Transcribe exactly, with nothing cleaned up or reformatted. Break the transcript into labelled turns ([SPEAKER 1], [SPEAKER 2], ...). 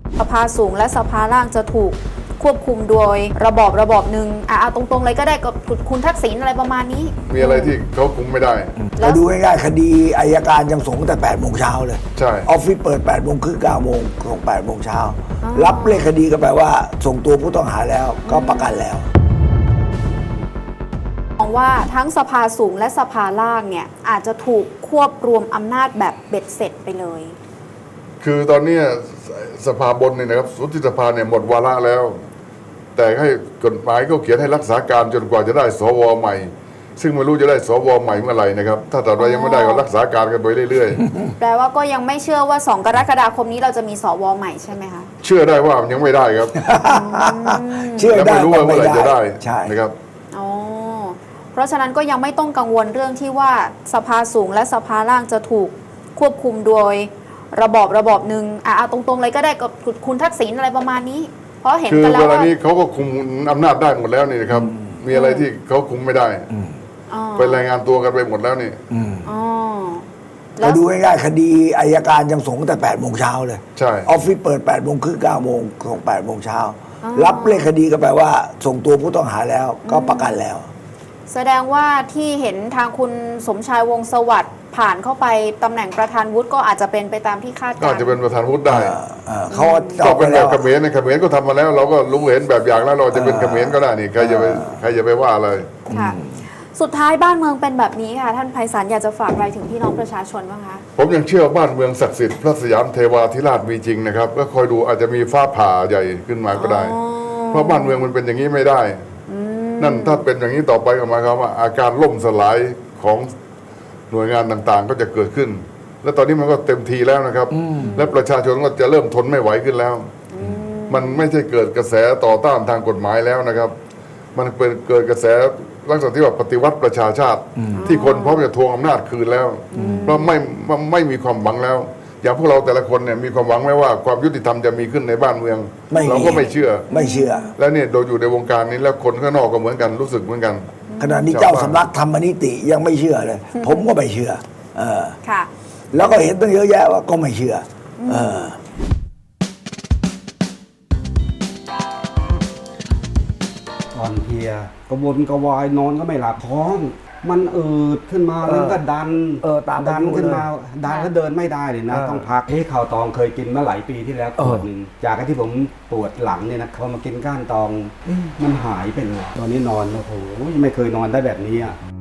[SPEAKER 1] สภาสูงและสภาล่างจะถูกควบคุมโดยระบอบระบอบหนึ่งอ่ะเอาตรงๆเลยก็ได้กับคุณทักษิณอะไรประมาณนี้
[SPEAKER 2] มีอะไรที่เขาคุมไม่ได้
[SPEAKER 3] แล้วดูง่ายๆคดีอัยการยังส่งแต่แปดโมงเช้าเลย
[SPEAKER 2] ใช่
[SPEAKER 3] ออฟฟิศเปิดแปดโมงครึ่งเก้าโมงส่งแปดโมงเช้ารับเลขคดีก็แปลว่าส่งตัวผู้ต้องหาแล้วก็ประกันแล้ว
[SPEAKER 1] มองว่าทั้งสภาสูงและสภาล่างเนี่ยอาจจะถูกควบรวมอำนาจแบบเบ็ดเสร็จไปเลย
[SPEAKER 2] คือตอนนี้สภาบนเนี่ยนะครับสุทธิสภาเนี่ยหมดวาระแล้วแต่ให้กฎหมายเขาเขียนให้รักษาการจนกว่าจะได้สวใหม่ซึ่งไม่รู้จะได้สวใหม่เมื่อไหร่นะครับถ้าแต่เรายังไม่ได้ก็รักษาการกันไปเรื่อย
[SPEAKER 1] ๆแปลว่าก็ยังไม่เชื่อว่าสองกรกฎาคมนี้เราจะมีสวใหม่ใช่ไหมคะ
[SPEAKER 2] เชื่อได้ว่ายังไม่ได้ครับ
[SPEAKER 3] เชื่อได้
[SPEAKER 2] ไม่รู้ว่าเมื่อไหร่จะได้นะครับ
[SPEAKER 1] อ๋อเพราะฉะนั้นก็ยังไม่ต้องกังวลเรื่องที่ว่าสภาสูงและสภาล่างจะถูกควบคุมโดยระบอบระบอบหนึ่งอ่ะเอาตรงๆเลยก็ได้กับคุณทักษิณอะไรประมาณนี้เพราะเห็นกันแล้วว่า
[SPEAKER 2] คือเวลานี้เขาก็คุมอำนาจได้หมดแล้วนี่นะครับมีอะไรที่เขาคุมไม่ได้ไปรายงานตัวกันไปหมดแล้วนี่
[SPEAKER 3] เราดูง่ายๆคดีอัยการยังส่งแต่แปดโมงเช้าเลย
[SPEAKER 2] ใช่
[SPEAKER 3] ออฟฟิศเปิดแปดโมงครึ่งเก้าโมงส่งแปดโมงเช้ารับเลขคดีก็แปลว่าส่งตัวผู้ต้องหาแล้วก็ประกันแล้ว
[SPEAKER 1] แสดงว่าที่เห็นทางคุณสมชายวงศ์สวัสดิ์ผ่านเข้าไปตำแหน่งประธานวุฒิก็อาจจะเป็นไปตามที่คาดการณ์
[SPEAKER 2] ก็อาจจะเป็นประธานวุฒิได้
[SPEAKER 3] เขา
[SPEAKER 2] ก็เป็นแบบเขมรในเขมรก็ทำมาแล้วเราก็รู้เห็นแบบอย่างแล้วเราจะเป็นเขมรก็ได้นี่ใครจะไปใครจะไปว่าอะไร
[SPEAKER 1] ค่ะสุดท้ายบ้านเมืองเป็นแบบนี้ค่ะท่านไพศาลอยากจะฝากอะไรถึงพี่น้องประชาชนบ้างคะ
[SPEAKER 2] ผมยังเชื่อบ้านเมืองศักดิ์สิทธิ์พระสยามเทวาธิราชมีจริงนะครับก็คอยดูอาจจะมีฟ้าผ่าใหญ่ขึ้นมาก็ได้เพราะบ้านเมืองมันเป็นอย่างนี้ไม่ได้นั่นถ้าเป็นอย่างนี้ต่อไปก็หมายความว่าอาการล่มสลายของหน่วยงานต่างๆก็จะเกิดขึ้นและตอนนี้มันก็เต็มทีแล้วนะครับและประชาชนก็จะเริ่มทนไม่ไหวขึ้นแล้วมันไม่ใช่เกิดกระแสต่อต้านทางกฎหมายแล้วนะครับมันเป็นเกิดกระแสลักษณะที่ว่าปฏิวัติประชาชาติที่คนพร้อมจะทวงอำนาจคืนแล้วเพราะไม่ไม่มีความหวังแล้วอย่างพวกเราแต่ละคนเนี่ยมีความหวังไหมว่าความยุติธรรมจะมีขึ้นในบ้านเมืองเราก็ไม่เชื่อ
[SPEAKER 3] ไม่เชื่อ
[SPEAKER 2] แล้วเนี่ยโดยอยู่ในวงการนี้แล้วคนข้างนอกก็เหมือนกันรู้สึกเหมือนกัน
[SPEAKER 3] ขณะนี้เจ้าสำนักธรรมนิติยังไม่เชื่อเลยผมก็ไม่เชื่อเออ
[SPEAKER 1] ค่ะ
[SPEAKER 3] แล้วก็เห็นตั้งเยอะแยะว่าก็ไม่เชื่อเออ
[SPEAKER 4] อ่อนเพลียกระวนกระวายนอนก็ไม่หลับท้องมันอืดขึ้นมาแล้วก็ดัน
[SPEAKER 3] เออตาม
[SPEAKER 4] ดันขึ้นมาดันแล้วเดินไม่ได้เลยนะต้องพักเฮ้ข่าวตองเคยกินมาหลายปีที่แล้วขวดหนึ่งจากที่ผมปวดหลังเนี่ยนะพอมากินก้านตองมันหายไปเลยตอนนี้นอนโอ้โหไม่เคยนอนได้แบบนี้อ่ะ